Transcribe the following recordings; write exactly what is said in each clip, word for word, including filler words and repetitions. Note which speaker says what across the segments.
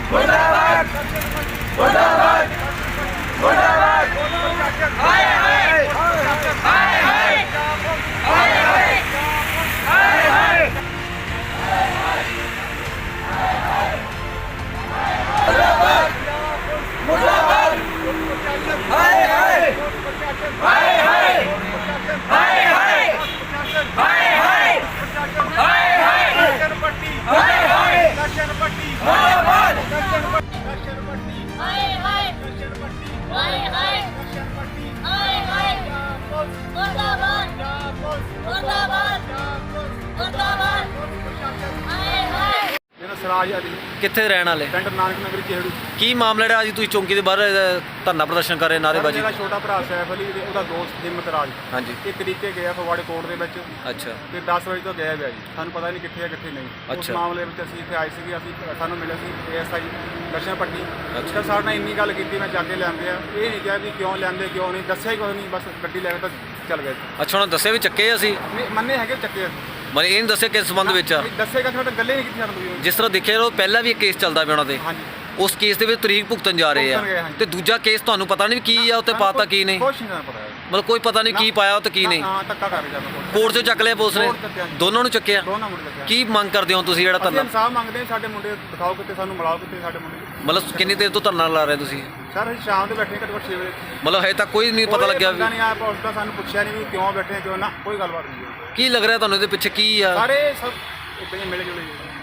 Speaker 1: मुर्दाबाद मुर्दाबाद मुर्दाबाद हाय हाय हाय हाय हाय हाय हाय मुर्दाबाद मुर्दाबाद हाय हाय हाय हाय हाय हाय हाय हाय हाय हाय
Speaker 2: नशनपट्टी
Speaker 1: हाय हाय
Speaker 2: नशनपट्टी
Speaker 1: मुर्दाबाद
Speaker 2: नशनपट्टी
Speaker 3: हाय हाय
Speaker 2: नशनपट्टी
Speaker 3: हाय हाय
Speaker 2: नशनपट्टी
Speaker 3: हाय हाय मुर्दाबाद मुर्दाबाद मुर्दाबाद हाय हाय
Speaker 2: ਮੇਰਾ ਸਰਾਜ ਅਲੀ
Speaker 4: ਕਿੱਥੇ ਰਹਿਣ ਵਾਲੇ?
Speaker 2: ਪਿੰਡ ਨਾਨਕ ਨਗਰੀ ਚਿਹੜੂ।
Speaker 4: ਕੀ ਮਾਮਲਾ ਜਿਹੜਾ ਅੱਜ ਤੁਸੀਂ ਚੌਂਕੀ ਦੇ ਬਾਹਰ ਅ, ਧਰਨਾ ਪ੍ਰਦਰਸ਼ਨ ਕਰ ਰਹੇ, ਨਾਅਰੇਬਾਜ਼ੀ?
Speaker 2: ਮੇਰਾ ਛੋਟਾ ਭਰਾ ਸੈਫ ਅਲੀ ਤੇ ਉਹਦਾ ਦੋਸਤ ਹਿੰਮਤ ਰਾਜ
Speaker 4: ਹਾਂਜੀ।
Speaker 2: ਇਹ ਤਰੀਕੇ ਗਿਆ ਫਗਵਾੜੇ ਕੋਰਟ ਦੇ ਵਿੱਚ
Speaker 4: ਅੱਛਾ
Speaker 2: ਤੇ ਦਸ ਵਜੇ ਤੋਂ ਗਏ ਹੋਇਆ ਜੀ। ਸਾਨੂੰ ਪਤਾ ਨਹੀਂ ਕਿੱਥੇ ਆ ਕਿੱਥੇ ਨਹੀਂ। ਉਸ
Speaker 4: ਅੱਛਾ।
Speaker 2: ਮਾਮਲੇ ਵਿੱਚ ਅਸੀਂ ਇੱਥੇ ਆਏ ਸੀਗੇ, ਅਸੀਂ ਸਾਨੂੰ ਮਿਲੇ ਸੀ ਏਐਸਆਈ ਨਸ਼ਨਪੱਟੀ।
Speaker 4: ਅੱਛਾ।
Speaker 2: ਤਾਂ ਸਾਡੇ ਨਾਲ ਇੰਨੀ ਗੱਲ ਕੀਤੀ, ਮੈਂ ਜਾ ਕੇ ਲਿਆਂਦੇ ਆ। ਇਹ ਨਹੀਂ ਕਿਹਾ ਵੀ ਕਿਉਂ ਲਿਆਂਦੇ ਕਿਉਂ ਨਹੀਂ, ਦੱਸਿਆ ਹੀ ਕੁਛ ਨਹੀਂ, ਬਸ ਗੱਡੀ ਲੈ ਕੇ ਤਾਂ ਚੱਲ ਗਏ।
Speaker 4: ਅੱਛਾ, ਉਹਨਾਂ ਦੱਸਿਆ ਵੀ ਚੱਕੇ ਅਸੀਂ,
Speaker 2: ਨਹੀਂ, ਮੰਨੇ ਹੈਗੇ ਚੱਕੇ ਅਸੀਂ।
Speaker 4: ਮਤਲਬ ਇਹ ਨਹੀਂ ਦੱਸਿਆ ਕਿਸ ਸੰਬੰਧ ਵਿੱਚ ਆ?
Speaker 2: ਨਹੀਂ, ਦੱਸੇਗਾ ਤੁਹਾਡਾ ਗੱਲੇ ਨਹੀਂ ਕੀਤੀ ਸਾਨੂੰ।
Speaker 4: ਜਿਸ ਤਰ੍ਹਾਂ ਦੇਖਿਆ ਉਹ ਪਹਿਲਾਂ ਵੀ ਇੱਕ ਕੇਸ ਚੱਲਦਾ ਪਿਆ ਉਹਨਾਂ ਦੇ,
Speaker 2: ਹਾਂਜੀ
Speaker 4: ਉਸ ਕੇਸ ਦੇ ਵਿੱਚ ਤਰੀਕ ਭੁਗਤਣ ਜਾ ਰਹੇ
Speaker 2: ਭੁਗਤਣ ਗਏ,
Speaker 4: ਆ,
Speaker 2: ਹਾਂਜੀ।
Speaker 4: ਤੇ ਦੂਜਾ ਕੇਸ ਤੁਹਾਨੂੰ ਪਤਾ ਨਹੀਂ ਕੀ ਆ ਉੱਤੇ ਪਾਤਾ ਕੀ ਨਹੀਂ,
Speaker 2: ਕੁਛ ਨਹੀਂ ਸਾਨੂੰ ਪਤਾ ਹੈ।
Speaker 4: ਮਤਲਬ ਕੋਈ ਪਤਾ ਨਹੀਂ ਕੀ ਪਾਇਆ ਉੱਤੇ ਕੀ ਨਹੀਂ।
Speaker 2: ਹਾਂ, ਧੱਕਾ ਕਰ ਜਾਂਦਾ ਕੋਰਟ।
Speaker 4: ਕੋਰਟ 'ਚੋਂ ਚੱਕ ਲਿਆ ਪੁਲਿਸ ਨੇ,
Speaker 2: ਕੋਰਟ ਚੱਕਿਆ ਜੀ।
Speaker 4: ਦੋਨਾਂ ਨੂੰ ਚੱਕਿਆ।
Speaker 2: ਦੋਨਾਂ ਮੁੰਡੇ ਚੱਕਿਆ।
Speaker 4: ਕੀ ਮੰਗ ਕਰਦੇ ਹੋ ਤੁਸੀਂ ਜਿਹੜਾ
Speaker 2: ਅਸੀਂ
Speaker 4: ਧਰਨਾ?
Speaker 2: ਇਨਸਾਫ ਮੰਗਦੇ ਹਾਂ, ਸਾਡੇ ਮੁੰਡੇ ਦਿਖਾਓ ਕਿਤੇ, ਸਾਨੂੰ ਮਿਲਾਓ ਕਿਤੇ ਸਾਡੇ ਮੁੰਡੇ।
Speaker 4: ਮਤਲਬ ਕਿੰਨੀ ਦੇਰ ਤੋਂ ਧਰਨਾ ਲਾ ਰਹੇ ਤੁਸੀਂ?
Speaker 2: ਸਰ ਅਸੀਂ ਸ਼ਾਮ ਦੇ ਬੈਠੇ ਘੱਟੋ ਘੱਟ ਛੇ ਵਜੇ।
Speaker 4: ਮਤਲਬ ਹਜੇ ਤੱਕ ਕੋਈ ਨਹੀਂ ਪਤਾ ਲੱਗਿਆ ਵੀ
Speaker 2: ਨਹੀਂ ਆਇਆ, ਪੁਲਿਸ ਦਾ ਸਾਨੂੰ ਪੁੱਛਿਆ ਨਹੀਂ ਵੀ ਕਿਉਂ ਬੈਠੇ ਆ, ਕਿਉਂ ਨਾ, ਕੋਈ ਗੱਲਬਾਤ ਨਹੀਂ ਹੋਈ।
Speaker 4: ਕੀ ਲੱਗ ਰਿਹਾ ਤੁਹਾਨੂੰ ਇਹਦੇ ਪਿੱਛੇ ਕੀ ਆ?
Speaker 2: ਸਾਰੇ ਸਭ ਇਦਾਂ ਹੀ ਮਿਲੇ ਜੁਲੇ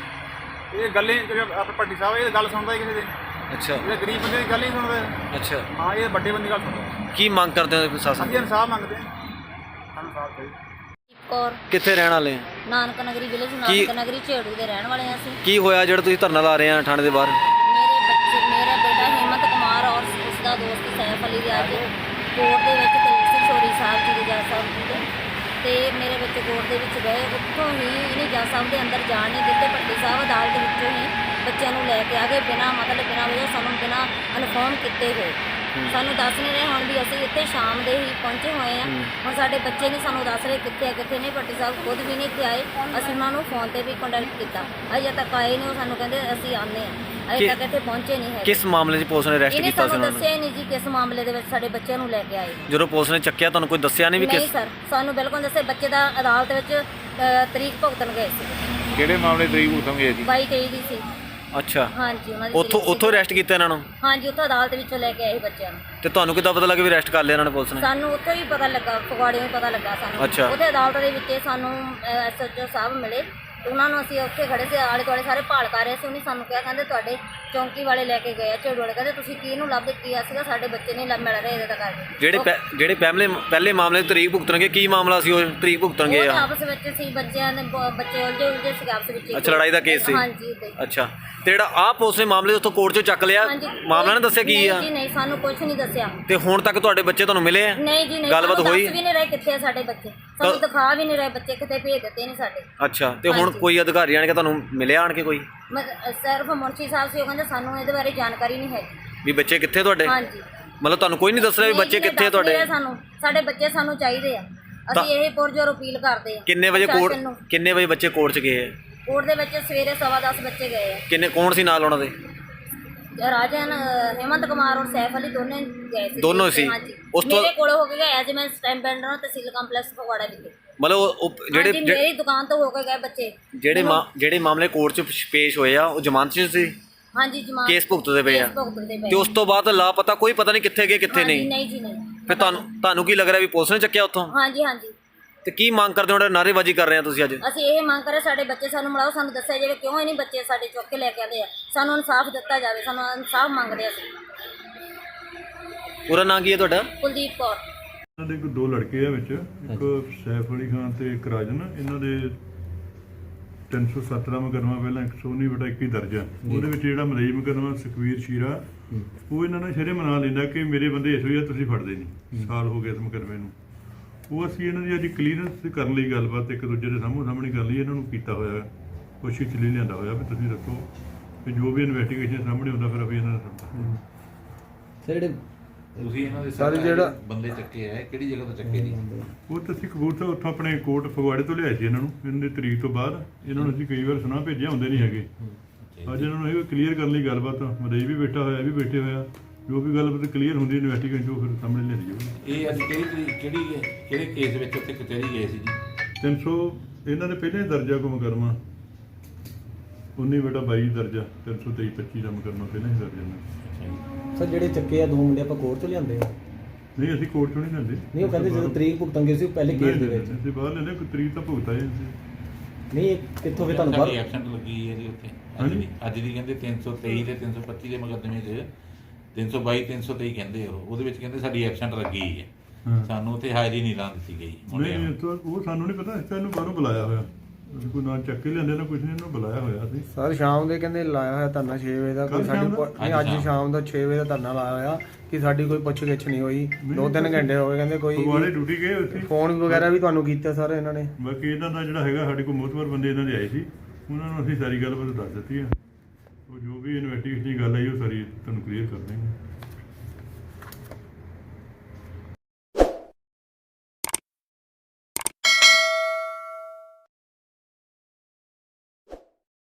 Speaker 2: ਜੀ। ਇਹ ਗੱਲੇ ਆਪਣੇ ਭੱਟੀ ਸਾਹਿਬ ਇਹ ਗੱਲ ਸੁਣਦਾ ਹੀ ਕਿਸੇ ਦੀ।
Speaker 4: ਅੱਛਾ
Speaker 2: ਇਹ ਗਰੀਬ ਬੰਦੇ ਦੀ ਗੱਲ ਨਹੀਂ ਸੁਣਦਾ।
Speaker 4: ਅੱਛਾ,
Speaker 2: ਹਾਂ, ਇਹ ਵੱਡੇ ਬੰਦੇ ਦੀ ਗੱਲ ਸੁਣਦਾ।
Speaker 4: ਕੀ ਮੰਗ ਕਰਦੇ ਹੋ ਪ੍ਰਸ਼ਾਸਨ
Speaker 2: ਅਸੀਂ
Speaker 4: ਤੋਂ?
Speaker 2: ਇਨਸਾਫ ਮੰਗਦੇ ਹਾਂ, ਸਾਨੂੰ ਇਨਸਾਫ ਚਾਹੀਦਾ।
Speaker 3: ਔਰ
Speaker 4: ਕਿੱਥੇ ਰਹਿਣ ਵਾਲੇ ਆ?
Speaker 3: ਨਾਨਕ ਨਗਰੀ ਵਿਲੇਜ
Speaker 4: ਕੀ-
Speaker 3: ਨਾਨਕ ਨਗਰੀ ਝੇੜੂ ਦੇ ਰਹਿਣ ਵਾਲੇ ਹਾਂ ਅਸੀਂ।
Speaker 4: ਕੀ ਹੋਇਆ ਜਿਹੜਾ ਤੁਸੀਂ ਧਰਨਾ ਲਾ ਰਹੇ ਆ ਥਾਣੇ ਦੇ ਬਾਹਰ?
Speaker 3: ਮੇਰੇ ਬੱਚੇ ਮੇਰਾ ਬੇਟਾ ਹਿੰਮਤ ਕੁਮਾਰ ਔਰ ਉਸ ਦਾ ਦੋਸਤ ਸੈਫ ਅਲੀ ਦੇ ਅੱਜ ਕੋਰਟ ਦੇ ਵਿੱਚ ਕੇਸ ਸੀ ਚੋਰੀ ਸਾਹਿਬ ਜੀ ਦੇ ਜੱਜ ਸਾਹਿਬ ਜੀ ਦੇ, ਤੇ ਮੇਰੇ ਬੱਚੇ ਕੋਰਟ ਦੇ ਵਿੱਚ ਗਏ। ਉੱਥੋਂ ਹੀ ਇਹਨੇ ਜੱਜ ਸਾਹਿਬ ਦੇ ਅੰਦਰ ਜਾਣ ਨਹੀਂ ਦਿੱਤੇ। ਭੱਟੀ ਸਾਹਿਬ ਅਦਾਲਤ ਵਿੱਚੋਂ ਹੀ ਬੱਚਿਆਂ ਨੂੰ ਲੈ ਕੇ ਆ ਗਏ, ਬਿਨਾਂ ਮਤਲਬ ਬਿਨਾਂ ਵਜ੍ਹਾ ਸਾਨੂੰ ਬਿਨਾਂ ਇਨਫੋਰਮ ਕੀਤੇ ਹੋਏ। ਸਾਨੂੰ ਦੱਸ ਨਹੀਂ ਰਹੇ ਹੁਣ ਵੀ ਅਸੀਂ ਇੱਥੇ ਸ਼ਾਮ ਦੇ ਹੀ ਪਹੁੰਚੇ ਹੋਏ ਆ। ਹੁਣ ਸਾਡੇ ਬੱਚੇ ਨਹੀਂ ਸਾਨੂੰ ਦੱਸ ਰਹੇ ਕਿੱਥੇ ਆ ਕਿੱਥੇ ਨਹੀਂ। ਭੱਟੀ ਸਾਹਿਬ ਖੁਦ ਵੀ ਨਹੀਂ ਇੱਥੇ ਆਏ। ਅਸੀਂ ਉਹਨਾਂ ਨੂੰ ਫੋਨ ਤੇ ਵੀ ਕੰਟੈਕਟ ਕੀਤਾ, ਅਜੇ ਤੱਕ ਆਏ ਨਹੀਂ। ਉਹ ਸਾਨੂੰ ਕਹਿੰਦੇ ਅਸੀਂ ਆਉਂਦੇ ਆ, ਅਜੇ ਤੱਕ ਇੱਥੇ ਪਹੁੰਚੇ ਨਹੀਂ ਹੈ।
Speaker 4: ਕਿਸ ਮਾਮਲੇ 'ਚ ਪੁਲਿਸ ਨੇ ਅਰੈਸਟ
Speaker 3: ਇਹਨੇ
Speaker 4: ਕੀਤਾ ਸੀ
Speaker 3: ਸਾਨੂੰ
Speaker 4: ਉਹਨਾਂ ਨੂੰ?
Speaker 3: ਦੱਸਿਆ ਹੀ ਨਹੀਂ ਜੀ ਕਿਸ ਮਾਮਲੇ ਦੇ ਵਿੱਚ ਸਾਡੇ ਬੱਚਿਆਂ ਨੂੰ ਲੈ ਕੇ ਆਏ।
Speaker 4: ਜਦੋਂ ਪੁਲਿਸ ਨੇ ਚੱਕਿਆ ਤੁਹਾਨੂੰ ਕੋਈ ਦੱਸਿਆ ਨਹੀਂ ਵੀ
Speaker 3: ਨਹੀਂ
Speaker 4: ਕਿਸ?
Speaker 3: ਸਰ, ਸਾਨੂੰ ਬਿਲਕੁਲ ਦੱਸੇ। ਬੱਚੇ ਦਾ ਅਦਾਲਤ ਵਿੱਚ ਅ, ਤਰੀਕ ਭੁਗਤਣ ਗਏ ਸੀ।
Speaker 5: ਕਿਹੜੇ ਮਾਮਲੇ ਤਰੀਕ ਭੁਗਤਣਗੇ ਜੀ?
Speaker 3: ਬਾਈ ਤੇਈ ਦੀ ਸੀ।
Speaker 4: ਅੱਛਾ,
Speaker 3: ਹਾਂਜੀ, ਉਹਨਾਂ ਦੀ
Speaker 4: ਉੱਥੋਂ
Speaker 3: ਤਰੀਕ ਸੀ।
Speaker 4: ਉੱਥੋਂ ਅਰੈਸਟ ਕੀਤਾ ਇਹਨਾਂ ਨੂੰ?
Speaker 3: ਹਾਂਜੀ, ਉੱਥੋਂ ਅਦਾਲਤ ਵਿੱਚੋਂ ਲੈ ਕੇ ਆਏ ਬੱਚਿਆਂ ਨੂੰ।
Speaker 4: ਤੇ ਤੁਹਾਨੂੰ ਕਿੱਦਾਂ ਪਤਾ ਲੱਗਾ ਵੀ ਅਰੈਸਟ ਕਰ ਲਿਆ ਇਹਨਾਂ ਨੇ ਪੁਲਿਸ ਨੇ?
Speaker 3: ਸਾਨੂੰ ਉੱਥੋਂ ਹੀ ਪਤਾ ਲੱਗਾ, ਫਗਵਾੜੇ ਹੀ ਪਤਾ ਲੱਗਾ ਸਾਨੂੰ।
Speaker 4: ਅੱਛਾ।
Speaker 3: ਉੱਥੇ ਅਦਾਲਤ ਦੇ ਵਿੱਚ ਸਾਨੂੰ ਐਸਐਚਓ ਸਾਹਿਬ ਮਿਲੇ। ਉਹਨਾਂ ਨੂੰ ਅਸੀਂ ਉੱਥੇ ਖੜੇ ਸੀ, ਆਲੇ ਦੁਆਲੇ ਸਾਰੇ ਭਾਲ ਕਰ ਰਹੇ ਸੀ। ਉਹਨੇ ਸਾਨੂੰ ਕਿਹਾ, ਕਹਿੰਦੇ ਤੁਹਾਡੇ ਚੌਂਕੀ ਵਾਲੇ ਲੈ ਕੇ ਗਏ ਆ ਝੇੜੂ ਵਾਲੇ, ਕਹਿੰਦੇ ਤੁਸੀਂ ਕਿਹਨੂੰ ਲੱਭ ਕੀਤਾ ਸੀਗਾ, ਸਾਡੇ ਬੱਚੇ ਨਹੀਂ ਲੱਭ ਮਿਲ ਰਹੇ ਇਹਦੇ ਤਾਂ ਕਰਕੇ।
Speaker 4: ਜਿਹੜੇ ਪਹਿ- ਜਿਹੜੇ ਪਹਿਲੇ ਪਹਿਲੇ ਮਾਮਲੇ 'ਚ ਤਰੀਕ ਭੁਗਤਣਗੇ, ਕੀ ਮਾਮਲਾ ਸੀ ਉਹ ਤਰੀਕ ਭੁਗਤਣਗੇ
Speaker 3: ਉਹ
Speaker 4: ਆ?
Speaker 3: ਆਪਸ ਵਿੱਚ ਸੀ, ਬੱਚਿਆਂ ਨੇ ਬ- ਬੱਚੇ ਉਲਝੇ ਉਲਝੇ ਸੀ ਆਪਸ ਵਿੱਚ।
Speaker 4: ਅੱਛਾ, ਲੜਾਈ ਦਾ ਕੇਸ ਸੀ?
Speaker 3: ਹਾਂਜੀ ਉੱਦਾਂ ਹੀ।
Speaker 4: ਅੱਛਾ, ਤੇ ਜਿਹੜਾ ਆਹ ਪੁਲਿਸ ਨੇ ਮਾਮਲੇ ਉੱਥੋਂ ਕੋਰਟ 'ਚੋਂ ਚੱਕ ਲਿਆ,
Speaker 3: ਹਾਂਜੀ,
Speaker 4: ਮਾਮਲਾ ਨੇ ਦੱਸਿਆ ਕੀ ਆ?
Speaker 3: ਨਹੀਂ ਜੀ ਨਹੀਂ, ਸਾਨੂੰ ਕੁਝ ਨਹੀਂ ਦੱਸਿਆ।
Speaker 4: ਤੇ ਹੁਣ ਤੱਕ ਤੁਹਾਡੇ ਬੱਚੇ ਤੁਹਾਨੂੰ ਮਿਲੇ ਆ?
Speaker 3: ਨਹੀਂ ਜੀ ਨਹੀਂ,
Speaker 4: ਗੱਲਬਾਤ
Speaker 3: ਸਾਨੂੰ
Speaker 4: ਹੋਈ?
Speaker 3: ਦੱਸ ਵੀ ਨਹੀਂ ਰਹੇ ਕਿੱਥੇ ਆ ਸਾਡੇ ਬੱਚੇ, ਸਾਨੂੰ ਦਿਖਾ ਵੀ ਨਹੀਂ ਰਹੇ ਬੱਚੇ, ਕਿਤੇ ਭੇਜ ਦਿੱਤੇ ਨੇ ਸਾਡੇ।
Speaker 4: ਅੱਛਾ, ਤੇ ਹੁਣ
Speaker 3: ਹਾਂਜੀ।
Speaker 4: ਕੋਈ ਅਧਿਕਾਰੀ ਆਣ ਕੇ ਤੁਹਾਨੂੰ ਮਿਲਿਆ ਆਣ ਕੇ ਕੋਈ
Speaker 3: ਮਤ- ਸਿਰਫ ਮੁਨਸ਼ੀ ਸਾਹਿਬ ਸੀ, ਉਹ ਕਹਿੰਦੇ ਸਾਨੂੰ ਇਹਦੇ ਬਾਰੇ ਜਾਣਕਾਰੀ ਨਹੀਂ ਹੈਗੀ।
Speaker 4: ਵੀ ਬੱਚੇ ਕਿੱਥੇ ਤੁਹਾਡੇ?
Speaker 3: ਹਾਂਜੀ,
Speaker 4: ਮਤਲਬ ਤੁਹਾਨੂੰ ਕੋਈ ਨਹੀਂ ਦੱਸ ਰਿਹਾ ਵੀ
Speaker 3: ਨਹੀਂ
Speaker 4: ਬੱਚੇ
Speaker 3: ਜੀ,
Speaker 4: ਕਿੱਥੇ
Speaker 3: ਦੱਸ ਨਹੀਂ
Speaker 4: ਤੁਹਾਡੇ?
Speaker 3: ਰਹੇ ਸਾਨੂੰ, ਸਾਡੇ ਬੱਚੇ ਸਾਨੂੰ ਚਾਹੀਦੇ ਆ।
Speaker 4: ਤਾਂ-
Speaker 3: ਅਸੀਂ ਇਹ ਪੁਰਜੋਰ ਅਪੀਲ ਕਰਦੇ ਆ।
Speaker 4: ਕਿੰਨੇ ਵਜੇ ਕੋਰਟ
Speaker 3: ਪ੍ਰਸ਼ਾਸਨ ਨੂੰ।
Speaker 4: ਕਿੰਨੇ ਵਜੇ ਬੱਚੇ ਕੋਰਟ 'ਚ ਗਏ ਆ?
Speaker 3: ਕੋਰਟ ਦੇ ਵਿੱਚ ਸਵੇਰੇ ਸਵਾ ਦਸ ਬੱਚੇ ਗਏ ਆ।
Speaker 4: ਕਿੰਨੇ ਕੌਣ ਸੀ ਨਾਲ ਉਹਨਾਂ ਦੇ?
Speaker 3: ਰਾਜਨ ਅ, ਹਿੰਮਤ ਕੁਮਾਰ ਔਰ ਸੈਫ ਅਲੀ ਦੋਨੇ ਗਏ ਸੀ।
Speaker 4: ਦੋਨੋਂ ਸੀ?
Speaker 3: ਹਾਂਜੀ,
Speaker 4: ਉਸ ਤੋਂ-
Speaker 3: ਮੇਰੇ ਕੋਲ ਹੋ ਕੇ ਗਏ ਐਜ ਮੈਂ ਸਟੈਂਪ ਬੈਂਡਰ ਹਾਂ ਤਹਿਸੀਲ ਕੰਪਲੈਕਸ ਫਗਵਾੜਾ ਵਿਖੇ।
Speaker 4: ਮਤਲਬ ਉਹ ਉਹ ਜਿਹੜੇ
Speaker 3: ਹਾਂਜੀ, ਮੇਰੀ ਦੁਕਾਨ ਤੋਂ ਹੋ ਕੇ ਗਏ ਬੱਚੇ।
Speaker 4: ਜਿਹੜੇ ਮਾ- ਜਿਹੜੇ ਮਾਮਲੇ ਕੋਰਟ 'ਚ ਪੇਸ਼ ਹੋਏ ਆ ਉਹ ਜ਼ਮਾਨਤ 'ਚ ਸੀ?
Speaker 3: ਹਾਂਜੀ, ਜਮਾਨ
Speaker 4: ਕੇਸ ਭੁਗਤਦੇ ਪਏ ਆ?
Speaker 3: ਕੇਸ ਭੁਗਤਦੇ ਪਏ।
Speaker 4: ਤੇ ਉਸ ਤੋਂ ਬਾਅਦ ਲਾਪਤਾ ਕੋਈ ਪਤਾ ਨਹੀਂ ਕਿੱਥੇ ਗਏ ਕਿੱਥੇ
Speaker 3: ਹਾਂਜੀ,
Speaker 4: ਨਹੀਂ?
Speaker 3: ਨਹੀਂ ਜੀ ਨਹੀਂ।
Speaker 4: ਫਿਰ ਤੁਹਾਨੂੰ ਤੁਹਾਨੂੰ ਕੀ ਲੱਗ ਰਿਹਾ ਵੀ ਪੁਲਿਸ ਨੇ ਚੱਕਿਆ ਉੱਥੋਂ?
Speaker 3: ਹਾਂਜੀ ਹਾਂਜੀ,
Speaker 4: ਤੇ ਕੀ ਮੰਗ ਕਰਦੇ ਹੋ ਜਿਹੜਾ ਨਾਅਰੇਬਾਜ਼ੀ ਕਰ ਰਹੇ ਆ ਤੁਸੀਂ ਅੱਜ?
Speaker 3: ਅਸੀਂ ਇਹ ਮੰਗ ਕਰੇ ਸਾਡੇ ਬੱਚੇ ਸਾਨੂੰ ਮਿਲਾਓ, ਸਾਨੂੰ ਦੱਸਿਆ ਜਾਵੇ ਕਿਉਂ ਇਹ ਨਹੀਂ ਬੱਚੇ ਸਾਡੇ ਚੁੱਕ ਕੇ ਲੈ ਕੇ ਆਉਂਦੇ ਆ। ਸਾਨੂੰ ਇਨਸਾਫ ਦਿੱਤਾ ਜਾਵੇ, ਸਾਨੂੰ ਇਨਸਾਫ ਮੰਗਦੇ ਅਸੀਂ।
Speaker 4: ਪੂਰਾ ਨਾਂ ਕੀ ਹੈ ਤੁਹਾਡਾ?
Speaker 3: ਕੁਲਦੀਪ ਕੌਰ।
Speaker 6: ਇਹਨਾਂ ਦੇ ਕੋਈ ਦੋ ਲੜਕੇ ਆ ਵਿੱਚ, ਇੱਕ ਸੈਫ ਅਲੀ ਖਾਨ ਤੇ ਇੱਕ ਰਾਜਨ। ਇਹਨਾਂ ਦੇ ਤਿੰਨ ਸੌ ਸੱਤ ਦਾ ਮੁਕੱਦਮਾ ਪਹਿਲਾਂ ਇੱਕ ਸੌ ਉੱਨੀ ਬਟਾ ਇੱਕੀ ਦਰਜ ਆ। ਉਹਦੇ ਵਿੱਚ ਜਿਹੜਾ ਮਲਈ ਮੁਕੱਦਮਾ ਸੁਖਵੀਰ ਸ਼ੀਰਾ, ਉਹ ਇਹਨਾਂ ਨੇ ਸ਼ਰੇ ਮਨਾ ਲੈਂਦਾ ਕਿ ਮੇਰੇ ਬੰਦੇ ਇਸ ਵਜ੍ਹਾ ਤੁਸੀਂ ਫੜਦੇ ਨਹੀਂ, ਸਾਲ ਹੋ ਗਿਆ ਇਸ ਮੁਕੱਦਮੇ ਨੂੰ। ਉਹ ਅਸੀਂ ਇਹਨਾਂ ਦੀ ਅੱਜ ਕਲੀਅਰੈਂਸ ਕਰਨ ਲਈ ਗੱਲਬਾਤ ਇੱਕ ਦੂਜੇ ਦੇ ਸਾਹਮਣੇ ਸਾਹਮਣੇ ਕਰ ਲਈ। ਇਹਨਾਂ ਨੂੰ ਕੀਤਾ ਹੋਇਆ ਕੋਸ਼ਿਸ਼ ਲਈ ਲਿਆਂਦਾ ਹੋਇਆ ਵੀ ਤੁਸੀਂ ਦੱਸੋ ਕਿ ਜੋ ਵੀ ਇਨਵੈਸਟੀਗੇਸ਼ਨ ਸਾਹਮਣੇ ਹੁੰਦਾ ਫਿਰ ਅਸੀਂ ਇਹਨਾਂ ਨੂੰ ਸਮਝਾਂਗੇ।
Speaker 4: ਜਿਹੜੇ
Speaker 5: ਤੁਸੀਂ ਇਹਨਾਂ ਦੇ
Speaker 4: ਸਾਰੇ ਜਿਹੜਾ-
Speaker 5: ਬੰਦੇ ਚੱਕੇ ਆ ਕਿਹੜੀ ਜਗ੍ਹਾ ਤੋਂ ਚੱਕੇ ਨਹੀਂ?
Speaker 6: ਉਹ ਤਾਂ ਅਸੀਂ ਕਬੂਤਰ ਉੱਥੋਂ ਆਪਣੇ ਕੋਟ ਫਗਵਾੜੇ ਤੋਂ ਲਿਆਏ ਸੀ ਇਹਨਾਂ ਨੂੰ। ਇਹਨਾਂ ਦੀ ਤਰੀਕ ਤੋਂ ਬਾਅਦ ਇਹਨਾਂ ਨੂੰ ਅਸੀਂ ਕਈ ਵਾਰ ਸੁਣਾ ਭੇਜਿਆ, ਹੁੰਦੇ ਨਹੀਂ ਹੈਗੇ। ਅੱਜ ਇਹਨਾਂ ਨੂੰ ਇਹ ਕਲੀਅਰ ਕਰਨ ਲਈ ਗੱਲਬਾਤ ਮਦਈ ਵੀ ਬੈਠਾ ਹੋਇਆ ਇਹ ਵੀ ਬੈਠੇ ਹੋਇਆ ਜੋ ਵੀ ਗੱਲਬਾਤ ਕਲੀਅਰ ਹੁੰਦੀ ਇਨਵੈਸਟੀਗੇਸ਼ਨ ਜੋ ਫਿਰ ਸਾਹਮਣੇ ਲਿਆਂਦੀ ਜਾਊਗੀ।
Speaker 5: ਇਹ ਅੱਜ ਕਿਹੜੀ ਤਰੀਕ- ਕਿਹੜੀ ਕਿਹੜੇ ਕੇਸ ਵਿੱਚ ਉੱਥੇ ਕਚਹਿਰੀ ਗਏ ਸੀ ਜੀ?
Speaker 6: ਤਿੰਨ ਸੌ ਇਹਨਾਂ ਨੇ ਪਹਿਲਾਂ ਹੀ ਦਰਜਾ ਕੋ ਮੁਕੱਦਮਾ ਉੱਨੀ ਬੇਟਾ ਬਾਈ ਦਰਜਾ ਤਿੰਨ ਸੌ ਤੇਈ ਪੱਚੀ ਦਾ ਮੁਕੱਦਮਾ ਪਹਿਲਾਂ ਹੀ ਦਰਜ ਇਹਨਾਂ
Speaker 5: ਅੱਛਾ ਜੀ।
Speaker 7: ਸਰ ਜਿਹੜੇ ਚੱਕੇ ਆ ਦੋ ਮੁੰਡੇ ਆਪਾਂ ਕੋਰਟ ਤੋਂ ਲਿਆਂਦੇ ਆ?
Speaker 6: ਨਹੀਂ ਅਸੀਂ ਕੋਰਟ ਚੋਂ ਨਹੀਂ ਲੈਂਦੇ
Speaker 7: ਨਹੀਂ ਉਹ ਕਹਿੰਦੇ ਜਦੋਂ ਤਰੀਕ ਭੁਗਤਣਗੇ ਸੀ ਉਹ ਪਹਿਲੇ ਕੇਸ ਦੇ ਵਿੱਚ।
Speaker 6: ਅਸੀਂ ਬਾਹਰ ਲੈਂਦੇ ਕੋਈ ਤਰੀਕ ਤਾਂ ਭੁਗਤਾ ਹੈ
Speaker 7: ਨਹੀਂ ਇਹ ਕਿੱਥੋਂ ਫਿਰ ਤੁਹਾਨੂੰ
Speaker 5: ਸਾਡੀ
Speaker 7: ਬਾਹਰ
Speaker 5: ਐਬਸੈਂਟ ਲੱਗੀ ਹੈ ਜੀ ਉੱਥੇ ਅੱਜ
Speaker 6: ਹਾਂਜੀ।
Speaker 5: ਦੀ ਅੱਜ ਦੀ ਕਹਿੰਦੇ ਤਿੰਨ ਸੌ ਤੇਈ ਤੇ ਤਿੰਨ ਸੌ ਪੱਚੀ ਦੇ ਮੁਕੱਦਮੇ 'ਚ ਤਿੰਨ ਸੌ ਬਾਈ ਤਿੰਨ ਸੌ ਤੇਈ ਕਹਿੰਦੇ ਉਹ ਉਹਦੇ ਵਿੱਚ ਕਹਿੰਦੇ ਸਾਡੀ ਐਬਸੈਂਟ ਲੱਗੀ ਹੈ।
Speaker 6: ਹਾਂ।
Speaker 5: ਸਾਨੂੰ ਉੱਥੇ ਹਾਜ਼ਰੀ ਨਹੀਂ ਲਾਉਣ ਦਿੱਤੀ ਗਈ ਮੁੰਡਿਆਂ
Speaker 6: ਨਹੀਂ
Speaker 5: ਨੂੰ।
Speaker 6: ਇਹ ਤਾਂ ਉਹ ਸਾਨੂੰ ਨਹੀਂ ਪਤਾ ਅਸੀਂ ਤਾਂ ਇਹਨੂੰ ਬਾਹਰੋਂ ਬੁਲਾਇਆ ਹੋਇਆ ਅਸੀਂ ਕੋਈ ਨਾ ਚੱਕ ਕੇ ਲਿਆਂਦੇ ਨਾ ਕੁਝ ਨਹੀਂ ਇਹਨੂੰ ਬੁਲਾਇਆ ਹੋਇਆ ਅਸੀਂ
Speaker 8: ਸਰ ਸ਼ਾਮ ਦੇ ਕਹਿੰਦੇ ਲਾਇਆ ਹੋਇਆ ਧਰਨਾ ਛੇ ਵਜੇ ਦਾ ਕੋਈ
Speaker 6: ਕੱਲ੍ਹ
Speaker 8: ਸਾਡੀ
Speaker 6: ਸ਼ਾਮ ਦਾ?
Speaker 8: ਪੁ- ਨਹੀਂ ਅੱਜ
Speaker 5: ਅੱਜ
Speaker 8: ਸ਼ਾਮ ਦਾ ਛੇ ਵਜੇ ਦਾ ਧਰਨਾ ਲਾਇਆ ਹੋਇਆ ਕਿ ਸਾਡੀ ਕੋਈ ਪੁੱਛ ਗਿੱਛ ਨਹੀਂ ਹੋਈ ਦੋ ਤਿੰਨ ਘੰਟੇ ਹੋ ਗਏ ਕਹਿੰਦੇ ਕੋਈ
Speaker 6: ਫਗਵਾੜੇ ਡਿਊਟੀ ਗਏ ਉੱਥੇ
Speaker 8: ਫੋਨ ਵਗੈਰਾ ਵੀ ਤੁਹਾਨੂੰ ਕੀਤਾ ਸਰ ਇਹਨਾਂ ਨੇ।
Speaker 6: ਬਾਕੀ ਇਹਨਾਂ ਦਾ ਜਿਹੜਾ ਹੈਗਾ ਸਾਡੇ ਕੋਲ ਮੋਤਬਰ ਬੰਦੇ ਇਹਨਾਂ ਦੇ ਆਏ ਸੀ ਉਹਨਾਂ ਨੂੰ ਅਸੀਂ ਸਾਰੀ ਗੱਲਬਾਤ ਦੱਸ ਦਿੱਤੀ ਹੈ ਉਹ ਜੋ ਵੀ ਇਨਵੈਸਟੀਗੇਸ਼ਨ ਦੀ ਗੱਲ ਆਈ ਉਹ ਸਾਰੀ ਤੁਹਾਨੂੰ ਕਲੀਅਰ ਕਰ ਦੇਵਾਂਗੇ।